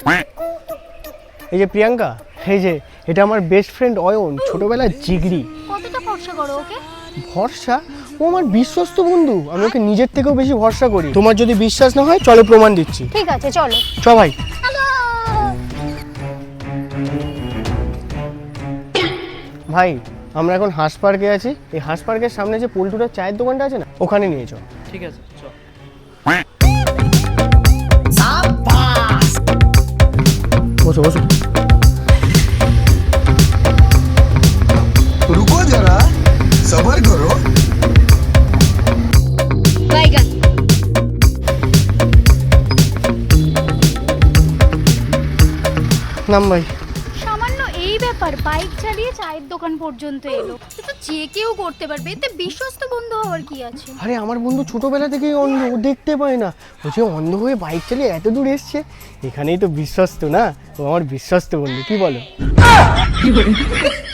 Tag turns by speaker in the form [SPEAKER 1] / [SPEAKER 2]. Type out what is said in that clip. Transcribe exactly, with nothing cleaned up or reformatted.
[SPEAKER 1] এই যে প্রিয়াঙ্কা, এই যে এটা আমার বেস্ট ফ্রেন্ড অয়ন, ছোটবেলার জিগরি।
[SPEAKER 2] কতটা ভরসা করো ওকে?
[SPEAKER 1] ভরসা? ও আমার বিশ্বস্ত বন্ধু, আমি ওকে নিজের থেকেও বেশি ভরসা করি। তোমার যদি বিশ্বাস না হয় চলো প্রমাণ দিচ্ছি।
[SPEAKER 2] ঠিক আছে চলো।
[SPEAKER 1] চ ভাই। ভাই আমরা এখন হাঁস পার্কে আছি, এই হাঁস পার্কের সামনে যে পল্টুটার চায়ের দোকানটা আছে না, ওখানে নিয়ে চল।
[SPEAKER 3] ঠিক আছে চল।
[SPEAKER 1] বসো বসো।
[SPEAKER 4] रुको जरा सबर करो।
[SPEAKER 2] বাইগান।
[SPEAKER 1] নাম ভাই।
[SPEAKER 2] সামান্য এই ব্যাপার, বাইক চালিয়ে চায়ের দোকান পর্যন্ত এলো। এ তো যে কেউ করতে পারবে, এতে বিশ্বস্ত বন্ধু হওয়ার কি আছে?
[SPEAKER 1] আরে আমার বন্ধু ছোটবেলা থেকেই অন্ধ, ও দেখতে পায় না। ও যে অন্ধ হয়ে বাইক চালিয়ে এত দূর এসছে, এখানেই তো বিশ্বস্ত না, ও আমার বিশ্বস্ত বন্ধু, কি বলো?